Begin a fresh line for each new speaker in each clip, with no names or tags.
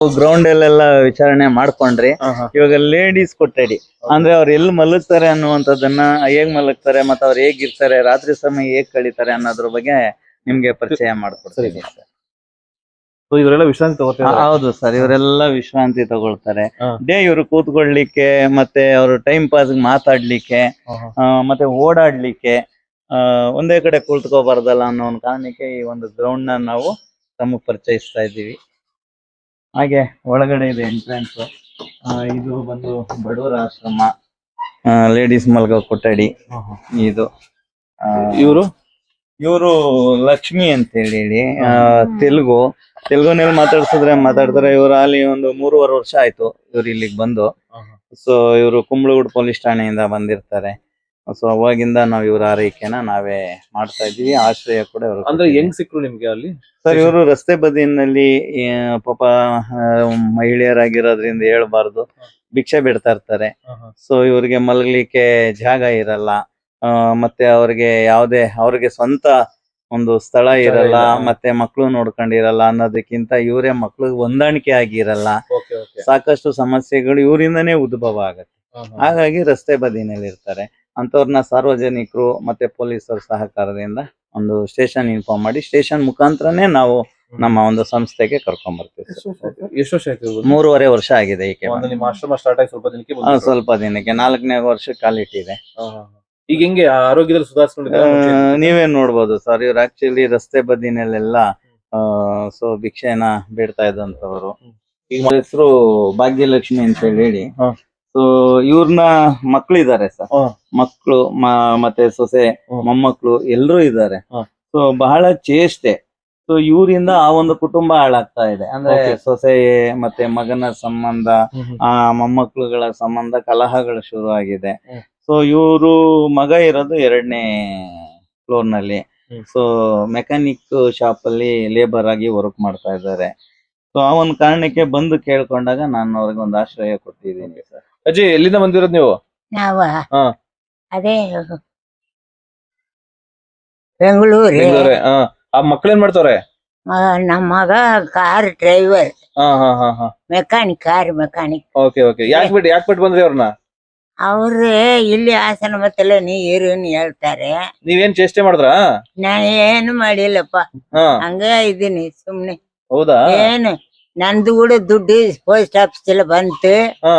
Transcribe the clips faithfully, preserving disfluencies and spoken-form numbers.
Ground ಅಲ್ಲೆಲ್ಲ ವಿಚಾರಣೆ ಮಾಡ್ಕೊಂಡ್ರಿ. ಇವಾಗ ಲೇಡೀಸ್ ಕೊಠಡಿ ಅಂದ್ರೆ ಅವ್ರು ಎಲ್ಲಿ ಮಲಗ್ತಾರೆ ಅನ್ನುವಂಥದ್ದನ್ನ, ಹೇಗ್ ಮಲಗ್ತಾರೆ ಮತ್ತೆ ಅವ್ರು ಹೇಗಿರ್ತಾರೆ, ರಾತ್ರಿ ಸಮಯ ಹೇಗ್ ಕಳೀತಾರೆ ಅನ್ನೋದ್ರ ಬಗ್ಗೆ ನಿಮ್ಗೆ ಪರಿಚಯ ಮಾಡ್ಕೊಡ್ತೀನಿ ಸರ್.
ಇವರೆಲ್ಲ ವಿಶ್ರಾಂತಿ ತಗೋತಾರೆ.
ಹೌದು ಸರ್, ಇವರೆಲ್ಲ ವಿಶ್ರಾಂತಿ ತಗೊಳ್ತಾರೆ. ಡೇ ಇವರು ಕೂತ್ಕೊಳ್ಲಿಕ್ಕೆ ಮತ್ತೆ ಅವರು ಟೈಮ್ ಪಾಸ್ ಮಾತಾಡ್ಲಿಕ್ಕೆ ಮತ್ತೆ ಓಡಾಡ್ಲಿಕ್ಕೆ ಒಂದೇ ಕಡೆ ಕುಳಿತುಕೋಬಾರ್ದಲ್ಲ ಅನ್ನೋ ಒಂದು ಕಾರಣಕ್ಕೆ ಈ ಒಂದು ಗ್ರೌಂಡ್ ನ ನಾವು ತಮಗೆ ಪರಿಚಯಿಸ್ತಾ ಇದ್ದೀವಿ. ಹಾಗೆ ಒಳಗಡೆ ಇದೆ ಎಂಟ್ರೆನ್ಸ್. ಇದು ಬಂದು ಬಡವರ ಆಶ್ರಮ, ಲೇಡೀಸ್ ಮಲ್ಗೋ ಕೊಠಡಿ ಇದು.
ಇವರು
ಇವರು ಲಕ್ಷ್ಮಿ ಅಂತ ಹೇಳಿ ತೆಲುಗು ತೆಲುಗುನಲ್ಲಿ ಮಾತಾಡ್ಸಿದ್ರೆ ಮಾತಾಡ್ತಾರೆ. ಇವರು ಅಲ್ಲಿ ಒಂದು ಮೂರುವರೆ ವರ್ಷ ಆಯ್ತು ಇವ್ರು ಇಲ್ಲಿಗೆ ಬಂದು. ಸೊ ಇವರು ಕುಂಬಳಗೂಡು ಪೊಲೀಸ್ ಠಾಣೆಯಿಂದ ಬಂದಿರ್ತಾರೆ. ಸೊ ಅವಾಗಿಂದ ನಾವ್ ಇವ್ರ ಆರೈಕೆನ ನಾವೇ ಮಾಡ್ತಾ ಇದೀವಿ. ಆಶ್ರಯ ಕೂಡ ಇವರು.
ಅಂದ್ರೆ ಹೆಂಗ್ ಸಿಕ್ರು ನಿಮ್ಗೆ ಅಲ್ಲಿ?
ಸರ್ ಇವರು ರಸ್ತೆ ಬದಿಯಲ್ಲಿ ಪಾಪ ಮಹಿಳೆಯರಾಗಿರೋದ್ರಿಂದ ಹೇಳ್ಬಾರ್ದು, ಭಿಕ್ಷೆ ಬಿಡ್ತಾ ಇರ್ತಾರೆ. ಸೊ ಇವ್ರಿಗೆ ಮಲಗ್ಲಿಕ್ಕೆ ಜಾಗ ಇರಲ್ಲ, ಮತ್ತೆ ಅವ್ರಿಗೆ ಯಾವ್ದೇ ಅವ್ರಿಗೆ ಸ್ವಂತ ಒಂದು ಸ್ಥಳ ಇರಲ್ಲ, ಮತ್ತೆ ಮಕ್ಳು ನೋಡ್ಕೊಂಡಿರಲ್ಲ ಅನ್ನೋದಕ್ಕಿಂತ ಇವರೇ ಮಕ್ಳಿಗೆ ಹೊಂದಾಣಿಕೆ ಆಗಿರಲ್ಲ. ಸಾಕಷ್ಟು ಸಮಸ್ಯೆಗಳು ಇವರಿಂದನೇ ಉದ್ಭವ ಆಗತ್ತೆ. ಹಾಗಾಗಿ ರಸ್ತೆ ಬದಿನಲ್ಲಿ ಇರ್ತಾರೆ. ಅಂತವ್ರನ್ನ ಸಾರ್ವಜನಿಕರು ಮತ್ತೆ ಪೊಲೀಸರ ಸಹಕಾರದಿಂದ ಒಂದು ಸ್ಟೇಷನ್ ಇನ್ಫಾರ್ಮ್ ಮಾಡಿ ಸ್ಟೇಷನ್ ಮುಖಾಂತರನೇ ನಾವು ನಮ್ಮ ಒಂದು ಸಂಸ್ಥೆಗೆ ಕರ್ಕೊಂಡ್ ಬರ್ತೀವಿ.
ಎಷ್ಟು ವರ್ಷ ಆಯ್ತು?
ಮೂರುವರೆ ವರ್ಷ ಆಗಿದೆ. ಈಕೆ
ಆಶ್ರಮ ಸ್ಟಾರ್ಟ್ ಆಗಿ ಸ್ವಲ್ಪ ದಿನಕ್ಕೆ
ಸ್ವಲ್ಪ ದಿನಕ್ಕೆ ನಾಲ್ಕನೇ ವರ್ಷ ಕಾಲಿಟ್ಟಿದೆ.
ಈಗ ಹೆಂಗೆ ಆರೋಗ್ಯದಲ್ಲಿ ಸುಧಾರಿಸ್ಕೊಂಡಿದ್ದಾರೆ?
ನೀವೇ ನೋಡ್ಬೋದು ಸರ್, ಇವ್ರು ಆಕ್ಚುಲಿ ರಸ್ತೆ ಬದಿನಲ್ಲೆಲ್ಲ ಸೊ ಭಿಕ್ಷೆನ ಬೇಡ್ತಾ ಇದ್ದಂತವ್ರು. ಈಗ ಹೆಸರು ಭಾಗ್ಯಲಕ್ಷ್ಮಿ ಅಂತ ಹೇಳಿ. ಸೊ ಇವ್ರನ್ನ ಮಕ್ಳಿದ್ದಾರೆ ಸರ್, ಮಕ್ಳು ಮತ್ತೆ ಸೊಸೆ ಮೊಮ್ಮಕ್ಳು ಎಲ್ರೂ ಇದ್ದಾರೆ. ಸೊ ಬಹಳ ಚೇಷ್ಟೆ. ಸೊ ಇವರಿಂದ ಆ ಒಂದು ಕುಟುಂಬ ಹಾಳಾಗ್ತಾ ಇದೆ. ಅಂದ್ರೆ ಸೊಸೆ ಮತ್ತೆ ಮಗನ ಸಂಬಂಧ, ಆ ಮೊಮ್ಮಕ್ಳುಗಳ ಸಂಬಂಧ ಕಲಹಗಳು ಶುರು ಆಗಿದೆ. ಸೊ ಇವರು ಮಗ ಇರೋದು ಎರಡನೇ ಫ್ಲೋರ್ ನಲ್ಲಿ. ಸೊ ಮೆಕ್ಯಾನಿಕ್ ಶಾಪ್ ಅಲ್ಲಿ ಲೇಬರ್ ಆಗಿ ವರ್ಕ್ ಮಾಡ್ತಾ ಇದ್ದಾರೆ. ಸೊ ಆ ಒಂದು ಕಾರಣಕ್ಕೆ ಬಂದು ಕೇಳ್ಕೊಂಡಾಗ ನಾನು ಅವ್ರಿಗೆ ಒಂದು ಆಶ್ರಯ ಕೊಟ್ಟಿದ್ದೀನಿ ಸರ್.
ಅಜ್ಜಿ ಎಲ್ಲಿಂದ ಬಂದಿರೋದು ನೀವು?
ನಾವ ಅದೇ ಬೆಂಗಳೂರು.
ಆ ಮಕ್ಳೇನ್ ಮಾಡ್ತಾವ್ರೆ?
ನಮ್ಮ ಮಗ car driver, mechanic, car mechanic.
Okay okay. ಯಾಕೆ ಬಿಟ್ಟು ಯಾಕೆ ಬಿಟ್ಟು ಬಂದ್ರಿ ಅವ್ರನ್ನ?
ಅವ್ರೇ ಇಲ್ಲಿ ಹಾಸನ ಮತ್ತೆಲ್ಲ ನೀರು ಹೇಳ್ತಾರೆ.
ನೀವೇನ್ ಚೇಷ್ಟೆ ಮಾಡಿದ್ರಾ?
ನಾನು ಏನು ಮಾಡಿಲ್ಲಪ್ಪ, ಹಂಗ ಇದ್ದೀನಿ ಸುಮ್ನೆ.
ಹೌದಾ?
ಏನು ನಂದು ಕೂಡ ದುಡ್ಡು ಪೋಸ್ಟ್ ಆಫೀಸ್ ಎಲ್ಲ ಬಂತು,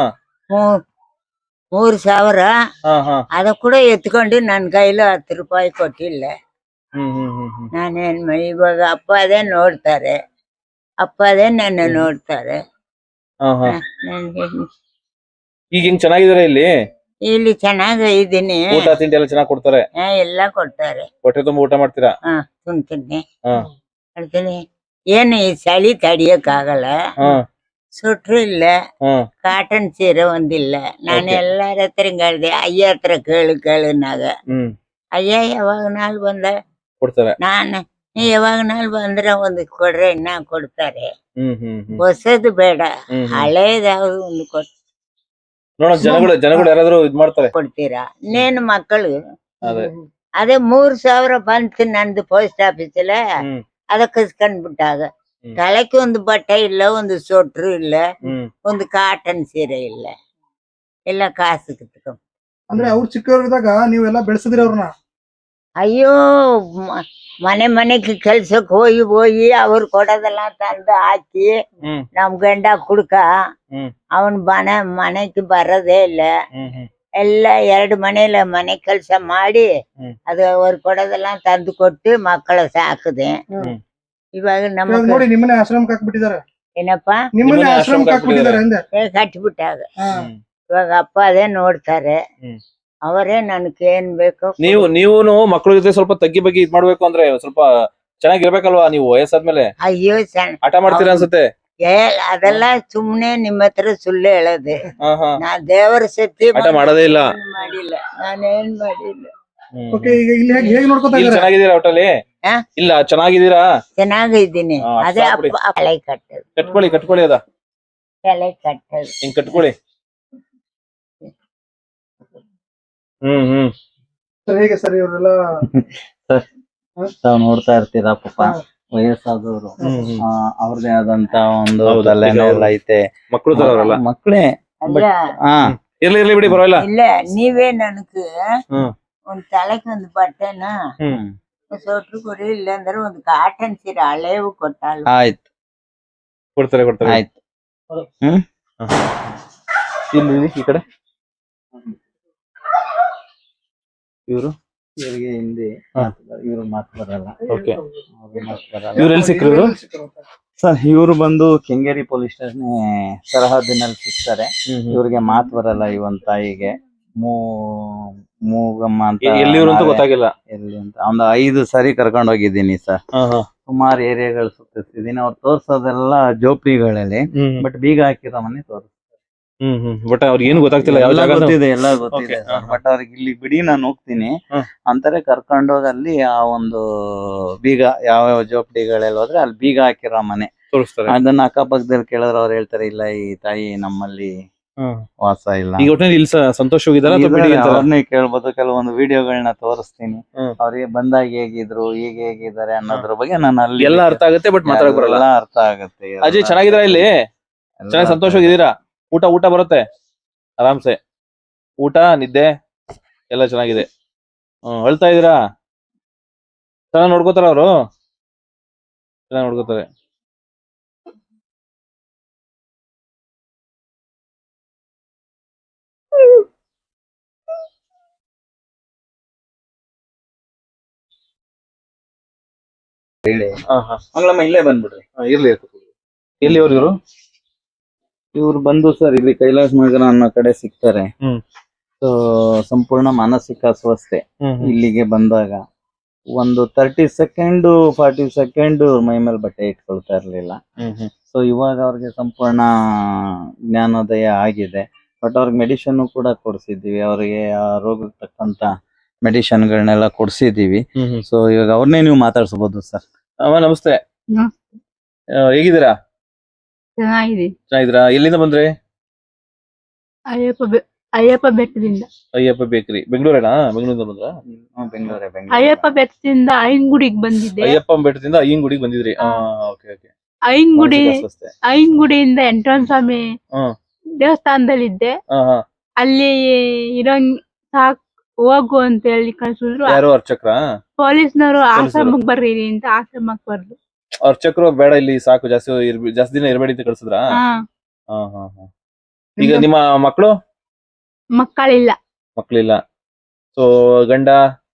ಮೂರ್ ಸಾವಿರ. ಅದ ಕೂಡ ಎತ್ಕೊಂಡು ನನ್ ಕೈಲಿ ಹತ್ತು ರೂಪಾಯಿ ಕೊಟ್ಟಿಲ್ಲ. ನಾನೇನ್ ಮಾಡಿ ಇವಾಗ ಅಪ್ಪ ಅದೇ ನೋಡ್ತಾರೆ, ಅಪ್ಪ ಅದೇ ನನ್ನ ನೋಡ್ತಾರೆ.
ಈಗ ಹಿಂಗ್ ಚೆನ್ನಾಗಿದಾರೆ ಇಲ್ಲಿ?
ಇಲ್ಲಿ ಚೆನ್ನಾಗ ಇದ್ದೀನಿ.
ಊಟ ತಿಂಡಿ ಎಲ್ಲ ಚೆನ್ನಾಗಿ ಕೊಡ್ತಾರೆ?
ಎಲ್ಲಾ ಕೊಡ್ತಾರೆ.
ಹೊಟ್ಟೆ ತುಂಬ ಊಟ ಮಾಡ್ತೀರಾ?
ಹಾ ತಿಂತೀನಿ ಮಾಡ್ತೀನಿ. ಏನು ಈ ಚಳಿ ತಡಿಯಕ್ ಆಗಲ್ಲ, ಸುಟ್ರು ಇಲ್ಲ, ಕಾಟನ್ ಸೀರೆ ಒಂದಿಲ್ಲ. ನಾನು ಎಲ್ಲಾರ ಹತ್ರ ಹಿಂಗಾಡ್ದೆ, ಅಯ್ಯ ಹತ್ರ ಕೇಳು ಕೇಳುನಾಗ ಅಯ್ಯ ಯಾವಾಗ ನಾಲ್ ಬಂದ
ಕೊಡ್ತಾರೆ.
ನಾನು ಯಾವಾಗ ನಾಲ್ ಬಂದ್ರ ಒಂದು ಕೊಡ್ರೆ ಇನ್ನ ಕೊಡ್ತಾರೆ. ಹೊಸದು ಬೇಡ, ಹಳೇದಾವ್ದು ಒಂದು ಕೊಡ್
ಜನಗಳು ಜನಗಳು ಯಾರಾದ್ರೂ ಇದ್ ಮಾಡ್ತಾರೆ
ಕೊಡ್ತೀರಾ? ಇನ್ನೇನು ಮಕ್ಕಳು ಅದೇ ಮೂರ್ ಸಾವಿರ ಬಂತು ನಂದು ಪೋಸ್ಟ್ ಆಫೀಸ್ ಅಲ್ಲ, ಅದ ಕಸ್ಕೊಂಡ್ ಬಿಟ್ಟಾಗ ತಳಕ್ಕೆ ಒಂದು ಬಟ್ಟೆ ಇಲ್ಲ, ಒಂದು ಸೊಟ್ರು ಇಲ್ಲ, ಒಂದು ಕಾಟನ್ ಸೀರೆ ಇಲ್ಲ, ಎಲ್ಲ ಕಾಸು ಕಿತ್ಕೊಂಡ್.
ಅಂದ್ರೆ ಅವ್ರು ಚಿಕ್ಕವರಿದ್ದಾಗ ನೀವೆಲ್ಲ ಬೆಳೆಸಿದ್ರಿ ಅವ್ರನ್ನ?
ಅಯ್ಯೋ ಮನೆ ಮನೆಗೆ ಕೆಲ್ಸಕ್ ಹೋಗಿ ಹೋಗಿ ಅವ್ರು ಕೊಡೋದೆಲ್ಲ ತಂದು ಹಾಕಿ ನಮ್ ಗಂಡ ಕುಡ್ಕ ಅವನ್ ಮನೆ ಮನೆಗೆ ಬರೋದೇ ಇಲ್ಲ. ಎಲ್ಲ ಎರಡು ಮನೇಲಿ ಮನೆ ಕೆಲ್ಸ ಮಾಡಿ ಅದು ಅವ್ರು ಕೊಡೋದೆಲ್ಲ ತಂದು ಕೊಟ್ಟು ಮಕ್ಕಳ ಸಾಕದೆ. ಇವಾಗ ನಮ್ಮ
ನೋಡಿ ನಿಮ್ಮನೆ ಆಶ್ರಮಕ್ಕೆ ಹಾಕ್ಬಿಟ್ಟಿದ್ದಾರೆ.
ಏನಪ್ಪಾ?
ನಿಮ್ಮನೆ ಆಶ್ರಮಕ್ಕೆ ಹಾಕ್ಬಿಟ್ಟಿದ್ದಾರೆ ಅಂದೆ.
ಕಟ್ಬಿಟ್ಟಾಗ ಇವಾಗ ಅಪ್ಪ ಅದೇ ನೋಡ್ತಾರೆ, ಅವರೇ ನನ್ಗೆ ಏನ್ ಬೇಕು.
ನೀವು ನೀವು ಮಕ್ಕಳ ಜೊತೆ ಸ್ವಲ್ಪ ತಗ್ಗಿ ಬಗ್ಗೆ ಇದ್ ಮಾಡ್ಬೇಕು ಅಂದ್ರೆ ಸ್ವಲ್ಪ ಚೆನ್ನಾಗಿರ್ಬೇಕಲ್ವಾ? ನೀವು ವಯಸ್ಸಾದ್ಮೇಲೆ
ಅಯ್ಯೋ
ಆಟ ಮಾಡ್ತೀರಾ ಅನ್ಸುತ್ತೆ.
ಏ ಅದೆಲ್ಲ ಸುಮ್ನೆ ನಿಮ್ಮ ಹತ್ರ ಸುಳ್ಳು ಹೇಳೋದೆ. ನಾ ದೇವರ ಸತಿ
ಆಟ ಮಾಡೋದೇ ಇಲ್ಲ,
ಮಾಡಿಲ್ಲ, ನಾನೇನ್ ಮಾಡಿಲ್ಲ.
ಚೆನ್ನಾಗಿದ್ದೀರಾ ಒಟ್ಟಲ್ಲಿ? ಇಲ್ಲ ಚೆನ್ನಾಗಿದ್ದೀರಾ?
ಚೆನ್ನಾಗಿದ್ದೀನಿ. ಅದೇ ಹಳೆ ಕಟ್ಟದು.
ಕಟ್ಕೊಳ್ಳಿ ಕಟ್ಕೊಳ್ಳಿ, ಅದ
ತಲೆ ಕಟ್ಟದು
ಹಿಂಗ್ ಕಟ್ಕೊಳ್ಳಿ. ಹ್ಮ್ ಹ್ಮ್
ಸರ್ ಹೇಗೆ ಸರ್ ಇವರೆಲ್ಲ
ತಾವ್ ನೋಡ್ತಾ ಇರ್ತೀರಾ ಪಾಪ, ವಯಸ್ಸಾದವರು
ಹ್ಮ್ ಹ್ಮ್
ಆ, ಅವ್ರದೇ ಆದಂತ ಒಂದು
ಹೌದು,
ತಲೆನೋ
ಈಗ
ಎಲ್ಲ ಐತೆ.
ಮಕ್ಕಳು ತರ ಅವರಲ್ಲ.
ಮಕ್ಕಳೇ
ಅಲ್ಲ
ಹಾ
ಇರ್ಲಿ ಇರ್ಲಿ ಬಿಡಿ ಪರವಾಗಿಲ್ಲ.
ಇಲ್ಲ ನೀವೇ ನನಗ್
ಹ್ಮ್
ಒಂದ್ ತಲೆಕ್ ಒಂದ್ ಬಟ್ಟೆನ
ಹ್ಮ್
ಸೊಟ್ರು ಕೊಡಿ, ಇಲ್ಲಾಂದ್ರೆ ಒಂದ್ ಕಾಟನ್ ಸೀರೆ ಹಳೇವು ಕೊಟ್ಟಾಳು.
ಆಯ್ತು
ಕೊಡ್ತಾರೆ ಕೊಡ್ತಾರೆ.
ಆಯ್ತು ಹ್ಮ್
ಇಲ್ಲಿ ಇಲ್ಲಿ, ಈ ಕಡೆ ಇವರು
ಇವ್ರಿಗೆ ಹಿಂದಿ
ಹಾ.
ಇವ್ರು ಮಾತು ಬರಲ್ಲ.
ಓಕೆ.
ಅವ್ರು ಮಾತು ಬರಲ್ಲ.
ಇವ್ರು ಎಲ್ಲಿ ಸಿಕ್ರು ಇವ್ರು?
ಸರ್ ಇವರು ಬಂದು ಕೆಂಗೇರಿ ಪೊಲೀಸ್ ಸ್ಟೇಷನ್ ಸರಹದ್ದಿನಲ್ಲಿ ಸಿಗ್ತಾರೆ. ಇವ್ರಿಗೆ ಮಾತು ಬರಲ್ಲ. ಇವನ್ ತಾಯಿಗೆ ಮೂ ಮೂಗಮ್ಮ ಅಂತ
ಎಲ್ಲಿ ಇವ್ರು ಅಂತ
ನಾವೇ-
ಗೊತ್ತಾಗಿಲ್ಲ.
ಎಲ್ಲಿ ಅಂತ ಒಂದು ಐದು ಸರಿ ಕರ್ಕೊಂಡು ಹೋಗಿದ್ದೀನಿ ಸರ್.
ಹಾ ಹಾ
ಸುಮಾರು ಏರಿಯಾಗಳು ಸುತ್ತಿಸಿದೀನಿ. ಅವ್ರು ತೋರ್ಸೋದೆಲ್ಲ ಜೋಪ್ರಿಗಳಲ್ಲಿ,
ಹ್ಮ್
ಬಟ್ ಬೀಗ ಹಾಕಿರೋ ಮನೆ ತೋರಿಸ್
ಹ್ಮ್ ಹ್ಮ್ ಬಟ್ ಅವ್ರಿಗೆ ಏನು ಗೊತ್ತಾಗ್ತಿಲ್ಲ ಯಾವ
ಎಲ್ಲ
ಜಾಗ ಅಂತ.
ಗೊತ್ತಿದೆ, ಎಲ್ಲ ಗೊತ್ತಿದೆ
Okay, ಹಾ, ಹಾ.
ಬಟ್ ಅವ್ರಿಗೆ ಇಲ್ಲಿ ಬಿಡಿ ನಾನು ಹೋಗ್ತೀನಿ
ಹ್ಮ್.
ಅಂತಾರೆ. ಕರ್ಕೊಂಡೋಗಿ ಅಲ್ಲಿ ಆ ಒಂದು ಬೀಗ ಯಾವ ಜೋಪಡಿಗಳೆಲ್ಲ ಹೋದ್ರೆ ಅಲ್ಲಿ ಬೀಗ ಹಾಕಿರೋ ಮನೆ,
ತೋರಿಸ್ತಾರೆ.
ಅದನ್ನ ಅಕ್ಕಪಕ್ಕದಲ್ಲಿ ಕೇಳಿದ್ರೆ ಅವ್ರು ಹೇಳ್ತಾರೆ ಇಲ್ಲ ಈ ತಾಯಿ ನಮ್ಮಲ್ಲಿ
ಹ್ಮ್.
ವಾಸ ಇಲ್ಲ.
ಈಗ ಒಟ್ಟಿನಲ್ಲಿ ಇಲ್ಲಿ ಸ- ಸಂತೋಷ್ ಹೋಗಿದಾರ ಅಥವಾ ಬಿಡಿ
ಇದಾರೆ,
ಅಂತಾರ?
ಅವ್ರನ್ನೇ ಕೇಳ್ಬೋದು. ಕೆಲವೊಂದು ವಿಡಿಯೋಗಳನ್ನ ತೋರಿಸ್ತೀನಿ.
ಹ್ಮ್.
ಅವ್ರಿಗೆ ಬಂದಾಗ ಹೇಗಿದ್ರು ಈಗ ಹೇಗಿದ್ದಾರೆ ಅನ್ನೋದ್ರ ಬಗ್ಗೆ ನಾನು ಅಲ್ಲಿ
ಎಲ್ಲ ಅರ್ಥ ಆಗುತ್ತೆ ಬಟ್ ಮಾತಾಡಕ್ ಬರಲ್ಲ.
ಎಲ್ಲ ಅರ್ಥ ಆಗುತ್ತೆ. ಎಲ್ಲ
ಅಜಯ್ ಚೆನ್ನಾಗಿದ್ದೀರಾ ಇಲ್ಲಿ?
ಎಲ್ಲ
ಚೆನ್ನಾಗಿ
ಅರ್ಥ
ಸಂತೋಷವಾಗಿದ್ದೀರಾ? ಊಟ ಊಟ ಬರುತ್ತೆ ಆರಾಮ್ಸೆ? ಊಟ ನಿದ್ದೆ ಎಲ್ಲ ಚೆನ್ನಾಗಿದೆ. ಹ್ಮ್ ಅಳ್ತಾ ಇದೀರಾ? ಚೆನ್ನಾಗಿ ನೋಡ್ಕೋತಾರ ಅವರು? ಚೆನ್ನಾಗಿ ನೋಡ್ಕೋತಾರೆ.
ಹೇಳಿ.
ಹಾ ಹಾ
ಮಂಗಳಮ್ಮ ಇಲ್ಲೇ ಬಂದ್ಬಿಡ್ರಿ.
ಹಾ, ಇರ್ಲಿ ಇರ್ಲಿ. ಎಲ್ಲಿ ಅವ್ರು ಇವರು?
ಇವ್ರು ಬಂದು ಸರ್ ಇಲ್ಲಿ ಕೈಲಾಸ ನಗರ ಅನ್ನೋ ಕಡೆ ಸಿಗ್ತಾರೆ.
ಹ್ಮ್.
ಸೊ ಸಂಪೂರ್ಣ ಮಾನಸಿಕ ಅಸ್ವಸ್ಥೆ.
ಹ್ಮ್ ಹ್ಮ್.
ಇಲ್ಲಿಗೆ ಬಂದಾಗ ಒಂದು ತರ್ಟಿ ಸೆಕೆಂಡ್ ಫಾರ್ಟಿ ಸೆಕೆಂಡ್ ಮೈ ಮೇಲೆ ಬಟ್ಟೆ ಇಟ್ಕೊಳ್ತಾ ಇರ್ಲಿಲ್ಲ.
ಹ್ಮ್ ಹ್ಮ್.
ಸೊ ಇವಾಗ ಅವ್ರಿಗೆ ಸಂಪೂರ್ಣ ಜ್ಞಾನೋದಯ ಆಗಿದೆ. ಬಟ್ ಅವ್ರಿಗೆ ಮೆಡಿಸಿನ್ ಕೂಡ ಕೊಡ್ಸಿದೀವಿ. ಅವ್ರಿಗೆ ಆ ರೋಗಕ್ಕೆ ತಕ್ಕಂತ ಮೆಡಿಸಿನ್ಗಳನ್ನೆಲ್ಲ ಕೊಡ್ಸಿದೀವಿ.
ಹ್ಮ್ ಹ್ಮ್.
ಸೊ ಇವಾಗ ಅವ್ರನ್ನೇ ನೀವು ಮಾತಾಡ್ಸ್ಬೋದು ಸರ್.
ಅಮ್ಮ ನಮಸ್ತೆ.
ನಮಸ್ತೆ.
ಆ, ಹೇಗಿದ್ದೀರಾ?
ಚೆನ್ನಾಗಿದೆ.
ಚೆನ್ನಾಗಿದ್ದೀರಾ? ಎಲ್ಲಿಂದ ಬಂದ್ರಿ?
ಅಯ್ಯಪ್ಪ ಬೆ- ಅಯ್ಯಪ್ಪ ಬೆಟ್ಟದಿಂದ
ಅಯ್ಯಪ್ಪ ಬೇಕ್ರಿ ಬೆಂಗಳೂರೇನಾ? ಬೆಂಗಳೂರಿಂದ ಬಂದ್ರ?
ಹ್ಮ್, ಬೆಂಗಳೂರೇ
ಅಯ್ಯಪ್ಪ
ಬೆಂಗಳೂರು.
ಬೆಟ್ಟದಿಂದ ಐನ್ಗುಡಿಗೆ ಬಂದಿದ್ದೆ.
ಅಯ್ಯಪ್ಪ ಬೆಟ್ಟದಿಂದ ಅಯ್ಯಂಗುಡಿಗೆ ಬಂದಿದ್ರಿ? ಆ, ಓಕೆ ಓಕೆ.
ಐನ್ಗುಡಿ
ಮಾನಸಿಕ ಅಸ್ವಸ್ಥೆ.
ಐನ್ಗುಡಿಯಿಂದ ಎಂಟ್ರನ್ ಸ್ವಾಮಿ
ಹ್ಮ್.
ದೇವಸ್ಥಾನದಲ್ಲಿದ್ದೆ.
ಹಾ ಹಾ.
ಅಲ್ಲಿ ಇರೋಂಗ್ ಸಾಕ್ ಹೋಗು ಅಂತ ಹೇಳಿ ಕಳ್ಸಿದ್ರು.
ಯಾರು ಅರ್ಚಕ್ರ?
ಪೊಲೀಸ್ನವರು ಆಶ್ರಮಕ್ ಬರ್ರಿ ಅಂತ ಆಶ್ರಮಕ್ ಬರ್ದು.
ಅರ್ಚಕ್ರು ಬೇಡ ಇಲ್ಲಿ ಸಾಕು, ಜಾಸ್ತಿ ಇರ್ಬಿ- ಜಾಸ್ತಿ ದಿನ ಇರಬೇಡಿ ಅಂತ ಕಳ್ಸಿದ್ರ?
ಹಾ,
ಹಾ ಹಾ ಹಾ. ಈಗ ನಿಮ್ಮ ಮಕ್ಕಳು?
ಮಕ್ಕಳಿಲ್ಲ.
ಮಕ್ಕಳಿಲ್ಲ. ಸೊ ಗಂಡ?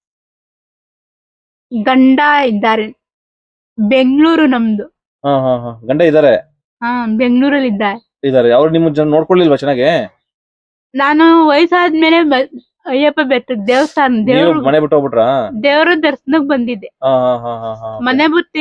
ಗಂಡ ಇದ್ದಾರೆ. ಬೆಂಗಳೂರು ನಮ್ದು.
ಹಾ ಹಾ ಹಾ. ಗಂಡ ಇದಾರೆ?
ಹಾ, ಬೆಂಗಳೂರಲ್ಲಿ ಇದ್ದಾರೆ.
ಇದಾರೆ. ಅವ್ರು ನಿಮ್ಮ ಜನ ನೋಡ್ಕೊಳ್ಳಿಲ್ವಾ ಚೆನ್ನಾಗಿ?
ನಾನು ವಯಸ್ಸಾದ್ಮೇಲೆ ಬ- ಅಯ್ಯಪ್ಪ ಬೆಟ್ಟದ ದೇವಸ್ಥಾನ
ನೀವು
ದೇವ್ರ
ಮನೆ ಬಿಟ್ಟು ಹೋಗ್ಬಿಟ್ರಾ?
ದೇವ್ರ ದರ್ಶನಕ್ ಬಂದಿದ್ದೆ.
ಹಾ ಹಾ ಹಾ ಹಾ ಹಾ.
ಮನೆ ಬುತ್ತಿ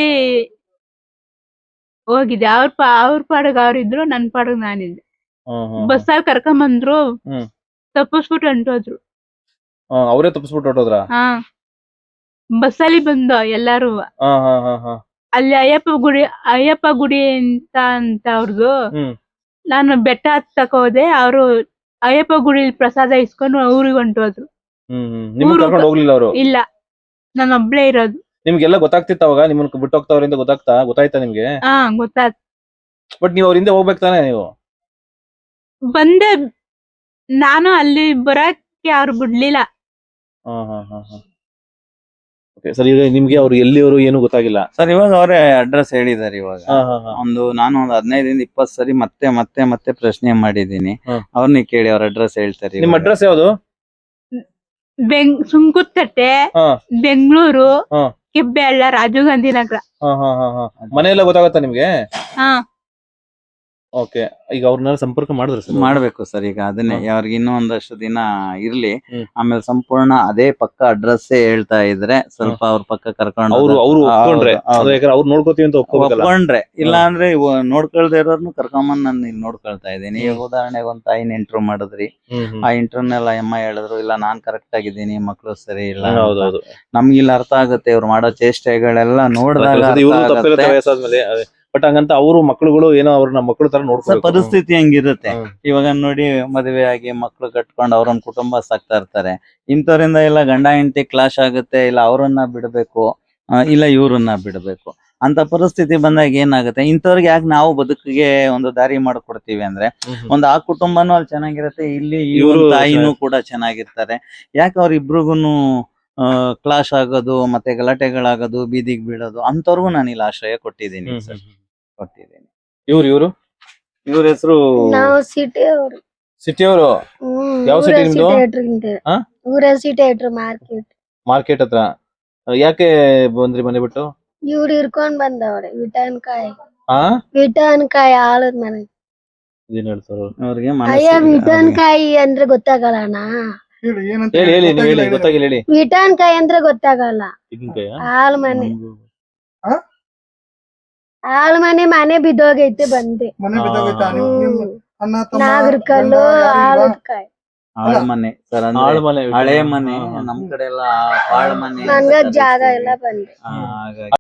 ಹೋಗಿದ್ದೆ. ಅವ್ರ ಪಾ ಅವ್ರ ಪಾಡಗ್ ಅವ್ರಿದ್ರು, ನನ್ ಪಾಡಗ್ ನಾನಿದ್ದೆ.
ಹ್ಮ್ ಹ್ಮ್.
ಬಸ್ಸಲ್ಲಿ ಕರ್ಕೊಂಡ್ ಬಂದ್ರು,
ಹ್ಮ್.
ತಪ್ಪಿಸ್ಬಿಟ್ಟು ಹೊಂಟೋದ್ರು.
ಹಾ, ಅವರೇ ತಪ್ಪಿಸ್ಬಿಟ್ಟು ಹೊಟ್ಟೋದ್ರ?
ಹಾ, ಬಸ್ಸಲ್ಲಿ ಬಂದು ಎಲ್ಲಾರು.
ಹಾ ಹಾ ಹಾ ಹಾ.
ಅಲ್ಲಿ ಅಯ್ಯಪ್ಪ ಗುಡಿ ಅಯ್ಯಪ್ಪ ಗುಡಿ ಅಂತ ಅಂತ ಅವ್ರದ್ದು.
ಹ್ಮ್.
ನಾನು ಬೆಟ್ಟ ಹತ್ತಕ್ ಹೋದೆ. ಅವರು ಅಯ್ಯಪ್ಪ ಗುಡಿಲಿ ಪ್ರಸಾದ ಇಸ್ಕೊಂಡು ಊರಿಗೆ ಹೊಂಟೋದ್ರು.
ಹ್ಮ್ ಹ್ಮ್. ನಿಮ್ಗೆ
ಊರು-
ಕರ್ಕೊಂಡು ಹೋಗ್ಲಿಲ್ಲ ಅವರು?
ಇಲ್ಲ, ನಾನು ಒಬ್ಳೇ ಇರೋದು.
ನಿಮ್ಗೆಲ್ಲ ಗೊತ್ತಾಗ್ತಿತ್ತ ಅವಾಗ ನಿಮ್ಮನ್ನ ಬಿಟ್ಟು ಹೋಗ್ತಾವ್ರೆ ಅಂತ ಗೊತ್ತಾಗ್ತಾ ಗೊತ್ತಾಯ್ತಾ ನಿಮ್ಗೆ?
ಹಾ, ಗೊತ್ತಾತ್.
ಬಟ್ ನೀವು ಅವ್ರ ಹಿಂದೆ ಹೋಗ್ಬೇಕು ತಾನೆ ನೀವು?
ಬಂದೆ. ನಾನು ಅಲ್ಲಿ ಬರಕ್ಕೆ ಅವ್ರು ಬಿಡ್ಲಿಲ್ಲ.
ಹಾ ಹಾ ಹಾ ಹಾ. ಓಕೆ ಸರ್, ಈಗ ನಿಮ್ಗೆ ಅವ್ರು ಎಲ್ಲಿಯವರು ಏನು ಗೊತ್ತಾಗಿಲ್ಲ?
ಸರ್ ಇವಾಗ ಅವರೇ ಅಡ್ರೆಸ್ ಹೇಳಿದ್ದಾರೆ. ಇವಾಗ
ಹಾ ಹಾ ಹಾ.
ಒಂದು ನಾನು ಒಂದು ಹದಿನೈದರಿಂದ ಇಪ್ಪತ್ತು ಸರಿ ಮತ್ತೆ ಮತ್ತೆ ಮತ್ತೆ ಪ್ರಶ್ನೆ ಮಾಡಿದ್ದೀನಿ.
ಹ್ಮ್.
ಅವ್ರನ್ನ ಕೇಳಿ ಅವ್ರ ಅಡ್ರೆಸ್ ಹೇಳ್ತಾರೆ.
ನಿಮ್
ಇವಾಗ.
ಅಡ್ರೆಸ್ ಯಾವ್ದು?
ಬೆಂಗ್ ಸುಂಕುತ್ತಟ್ಟೆ,
ಹಾ
ಬೆಂಗಳೂರು,
ಹಾ
ಕೆಬ್ಬೆಳ್ಳ, ರಾಜೀವ್ ಗಾಂಧಿ ನಗರ.
ಹಾ ಹಾ ಹಾ ಹಾ. ಮನೆ ಎಲ್ಲ ಗೊತ್ತಾಗತ್ತಾ ನಿಮ್ಗೆ?
ಹಾ,
ಓಕೆ. ಈಗ ಅವ್ರನ್ನೆಲ್ಲ ಸಂಪರ್ಕ ಮಾಡಿದ್ರೆ ಸರ್?
ಮಾಡ್ಬೇಕು ಸರ್. ಈಗ ಅದನ್ನೇ
ಹ್ಮ್.
ಅವ್ರಿಗೆ ಇನ್ನೂ ಒಂದಷ್ಟು ದಿನ ಇರ್ಲಿ.
ಹ್ಮ್.
ಆಮೇಲೆ ಸಂಪೂರ್ಣ ಅದೇ ಪಕ್ಕ ಅಡ್ರೆಸ್ ಹೇಳ್ತಾ ಇದ್ರೆ ಸ್ವಲ್ಪ ಅವ್ರ ಪಕ್ಕ ಕರ್ಕೊಂಡು
ಅವ್ರು ಅವ್ರು
ಹೌದು,
ಒಪ್ಕೊಂಡ್ರೆ
ಹೌದು.
ಅದು ಯಾಕಂದ್ರೆ ಅವ್ರು ನೋಡ್ಕೋತೀವಿ ಅಂತ ಒಪ್ಕೋಬೇಕಲ್ಲ?
ಒಪ್ಕೊಂಡ್ರೆ, ಇಲ್ಲ ಅಂದ್ರೆ ಇವ ನೋಡ್ಕೊಳ್ದೆ ಇರೋರ್ನು ಕರ್ಕೊಂಬಂದ್ ನಾನು ಇಲ್ಲಿ ನೋಡ್ಕೊಳ್ತಾ ಇದ್ದೀನಿ. ಈಗ ಉದಾಹರಣೆಗೆ ಒಂದ್ ತಾಯಿನ ಇಂಟ್ರೂ ಮಾಡಿದ್ರಿ.
ಹ್ಮ್ ಹ್ಮ್.
ಆ ಇಂಟರ್ನೆಲ್ಲ ಅಮ್ಮ ಹೇಳಿದ್ರು ಇಲ್ಲ ನಾನ್ ಕರೆಕ್ಟ್ ಆಗಿದ್ದೀನಿ, ಮಕ್ಳು ಸರಿ ಇಲ್ಲ ಅಂತ.
ಹೌದೌದು.
ನಮ್ಗೆ ಇಲ್ಲಿ ಅರ್ಥ ಆಗುತ್ತೆ ಇವ್ರು ಮಾಡೋ ಚೇಷ್ಟೆಗಳೆಲ್ಲ ನೋಡಿದಾಗ ಅರ್ಥ
ಇವ್ರು
ಆಗುತ್ತೆ.
ತಪ್ಪಿರುತ್ತೆ ವಯಸ್ಸಾದ್ಮೇಲೆ. ಬಟ್ ಹಂಗಂತ ಅವ್ರು ಮಕ್ಳುಗಳು ಏನೋ ಅವ್ರ ನಮ್ಮ ಮಕ್ಳು ತರ
ಸರ್,
ನೋಡ್ಕೋಬೇಕು.
ಪರಿಸ್ಥಿತಿ ಹಂಗಿರುತ್ತೆ.
ಹ್ಮ್.
ಇವಾಗ ನೋಡಿ ಮದುವೆ ಆಗಿ ಮಕ್ಳು ಕಟ್ಕೊಂಡು ಅವ್ರೊಂದ್ ಕುಟುಂಬ ಸಾಕ್ತಾ ಇರ್ತಾರೆ. ಇಂಥವ್ರಿಂದ ಇಲ್ಲ ಗಂಡ ಹೆಂಡತಿ ಕ್ಲಾಶ್ ಆಗುತ್ತೆ, ಇಲ್ಲ ಅವ್ರನ್ನ ಬಿಡ್ಬೇಕು, ಆ, ಇಲ್ಲ ಇವ್ರನ್ನ ಬಿಡ್ಬೇಕು. ಅಂತ ಪರಿಸ್ಥಿತಿ ಬಂದಾಗ ಏನಾಗುತ್ತೆ, ಇಂಥವ್ರಿಗೆ ಯಾಕೆ ನಾವು ಬದುಕಿಗೆ ಒಂದು ದಾರಿ ಮಾಡ್ಕೊಡ್ತೀವಿ ಅಂದ್ರೆ, ಒಂದ್ ಆ ಕುಟುಂಬನೂ ಅಲ್ಲಿ ಚೆನ್ನಾಗಿರುತ್ತೆ, ಇಲ್ಲಿ ಈ
ಇವ್ರು
ಒಂದ್ ತಾಯಿನೂ ಕೂಡ ಚೆನ್ನಾಗಿರ್ತಾರೆ. ಯಾಕೆ ಅವ್ರಿಬ್ರಿಗೂನು ಆ ಕ್ಲಾಶ್ ಆಗೋದು, ಮತ್ತೆ ಗಲಾಟೆಗಳಾಗೋದು, ಬೀದಿಗೆ ಬೀಳೋದು, ಅಂತವ್ರಿಗೂ ನಾನು ಇಲ್ಲಿ ಆಶ್ರಯ ಕೊಟ್ಟಿದ್ದೀನಿ ಸರ್, ಕೊಟ್ಟಿದ್ದೀನಿ.
ಇವ್ರು ಇವ್ರು
ಇವ್ರ ಹೆಸರು
ನಾವು ಸಿಟಿ ಅವರು
ಸಿಟಿ ಅವರು. ಯಾವ city ನಿಮ್ದು? ಹಾ?
ಊರ ಸಿಟಿ ಮಾರ್ಕೆಟ್
ಮಾರ್ಕೆಟ್ ಹತ್ರ. ಯಾಕೆ ಬಂದ್ರಿ ಮನೆ ಬಿಟ್ಟು?
ಇವ್ರು ಹಿಡ್ಕೊಂಡ್ ಬಂದವ್ರೆ ವಿಟನ್ಕಾಯಿ
ಹಾ
ವಿಟನ್ಕಾಯಿ ಆಳದ್ ಮನೆ.
ಇದೇನ್ ಹೇಳ್ತಾರ
ಅವ್ರಿಗೆ
ಅಯ್ಯ
ಮನಸ್ಸಿಗೆ
ವಿಟನ್ಕಾಯಿ ಅಂದ್ರೆ ಗೊತ್ತಾಗಲ್ಲ ಅಣ್ಣ.
ಹೇಳಿ ಏನಂತ
ಹೇಳಿ ಹೇಳಿ ನೀವು ಹೇಳಿ,
ಗೊತ್ತಾಗಿಲ್ಲ,
ಗೊತ್ತಾಗಿಲ್ಲ ಹೇಳಿ.
ವಿಟನ್ಕಾಯಿ ಅಂದ್ರೆ ಗೊತ್ತಾಗಲ್ಲ.
ತೆಂಗಿನಕಾಯ?
ಆಳ್ ಮನೆ
ಆ?
ಆಳ್ ಮನೆ ಮನೆ ಬಿದ್ದೋಗೈತೆ ಬಂದೆ.
ಮನೆ ಬಿದ್ದೋಗೈತಾ? ನಿಮ್ ನಿಮ್ ಅಣ್ಣ ತಮ್ಮ
ನಾಗರ
ಗಂಡ
ಕಲ್ಲು
ಯಾರು ಇಲ್ವಾ?
ಆಳದ್ ಕಾಯಿ
ಆಳ್ ಮನೆ ಸರ್,
ಆಳ್ ಮನೆ.
ಹಳೆ ಮನೆ, ನಮ್ ಕಡೆ ಎಲ್ಲ ಆಳ್ ಮನೆ
ನನ್ಗ ಜಾಗ ಎಲ್ಲ ಬಂದೆ.
ಹಾಗಾಗಿ